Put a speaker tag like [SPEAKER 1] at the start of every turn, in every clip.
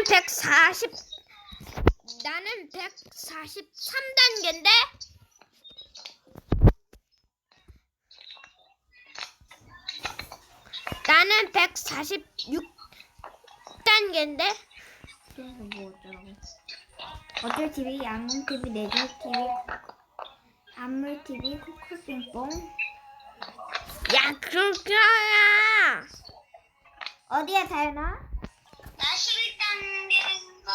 [SPEAKER 1] 나는 143단계인데? 나는 146단계인데?
[SPEAKER 2] 그래서 뭐 어쩌라고. 어쩔 TV, 양문 TV, 내조 TV, 안물 TV, 코코빙뽕.
[SPEAKER 1] 야, 그렇게야!
[SPEAKER 2] 어디야, 다현아?
[SPEAKER 3] 나 11단계인가?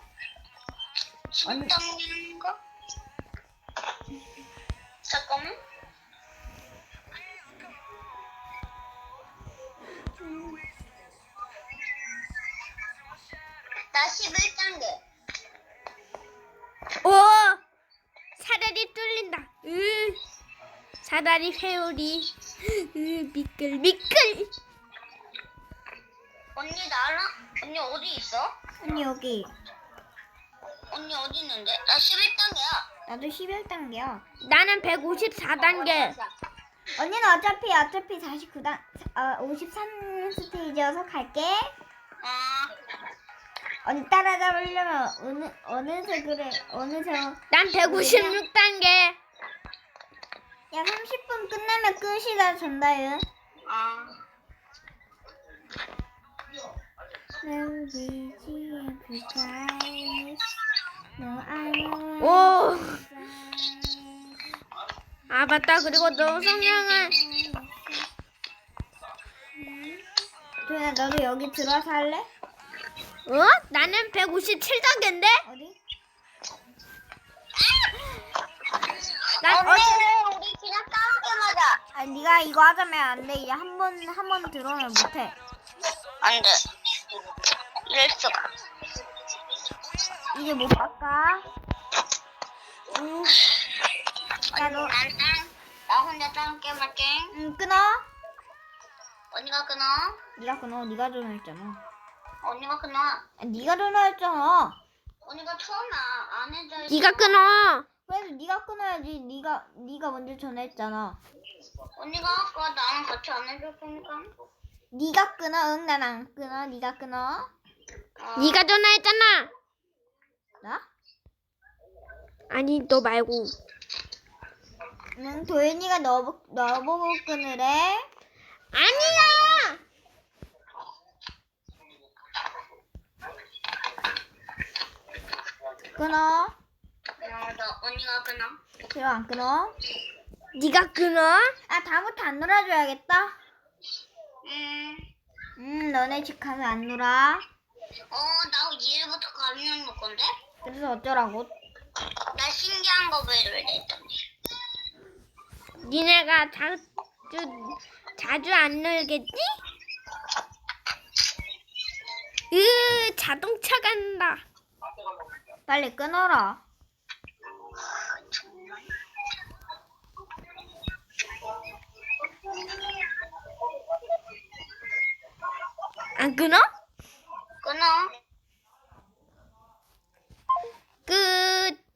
[SPEAKER 3] 10단계인가? 잠깐만. 나 11단계.
[SPEAKER 1] 오! 사다리 뚫린다. 사다리 회오리. 미끌.
[SPEAKER 3] 언니 나랑? 언니 어디 있어?
[SPEAKER 2] 언니, 여기.
[SPEAKER 3] 언니 어디 있는데? 나 11단계야.
[SPEAKER 2] 나도 11단계야.
[SPEAKER 1] 나는 154단계.
[SPEAKER 2] 언니는 어차피 53스테이지여서 갈게. 언니 따라잡으려면 어느 색
[SPEAKER 1] 난 156단계.
[SPEAKER 2] 야, 30분 끝나면 끝이다, 전다윤.
[SPEAKER 1] 오! 아, 맞다. 그리고 너 성향은
[SPEAKER 2] 도현아, 너도 여기 들어와서 할래?
[SPEAKER 1] 나는 157단계인데?
[SPEAKER 2] 어디?
[SPEAKER 1] 난
[SPEAKER 3] 언니 우리 그냥 싸우게 맞아.
[SPEAKER 2] 아, 네가 이거 하자면 안 돼. 이제 한 번 들어오면 못해.
[SPEAKER 3] 안 돼. 이럴 수가.
[SPEAKER 2] 이제 못 바꿔. 야, 너,
[SPEAKER 3] 나 혼자 싸움 게임 할게.
[SPEAKER 2] 끊어.
[SPEAKER 3] 언니가 끊어.
[SPEAKER 2] 네가 끊어. 네가 전화했잖아.
[SPEAKER 3] 언니가 끊어.
[SPEAKER 2] 네가 전화했잖아.
[SPEAKER 3] 언니가 처음에 안 해줘.
[SPEAKER 1] 네가 끊어.
[SPEAKER 2] 그래도 네가 끊어야지. 네가 먼저 전화했잖아.
[SPEAKER 3] 언니가 아까 나랑 같이 안 해줬으니까.
[SPEAKER 2] 네가 끊어. 응, 난 안 끊어. 네가 끊어.
[SPEAKER 1] 네가 전화했잖아.
[SPEAKER 2] 나?
[SPEAKER 1] 아니, 너 말고.
[SPEAKER 2] 응, 도현이가 너 보고 끊으래.
[SPEAKER 1] 아니야.
[SPEAKER 2] 끊어.
[SPEAKER 3] 너 언니가 끊어.
[SPEAKER 2] 싫어, 안 끊어.
[SPEAKER 1] 네가 끊어.
[SPEAKER 2] 아, 다음부터 안 놀아줘야겠다.
[SPEAKER 3] 음.
[SPEAKER 2] 너네 집 가면 안 놀아.
[SPEAKER 3] 나 이제부터 가르쳐 놓을 건데?
[SPEAKER 2] 그래서 어쩌라고?
[SPEAKER 3] 나 신기한 거 배우려 했더니.
[SPEAKER 1] 니네가 자주 안 놀겠지? 자동차 간다.
[SPEAKER 2] 빨리 끊어라.
[SPEAKER 1] 안 끊어?
[SPEAKER 3] 끊어.
[SPEAKER 1] 끝.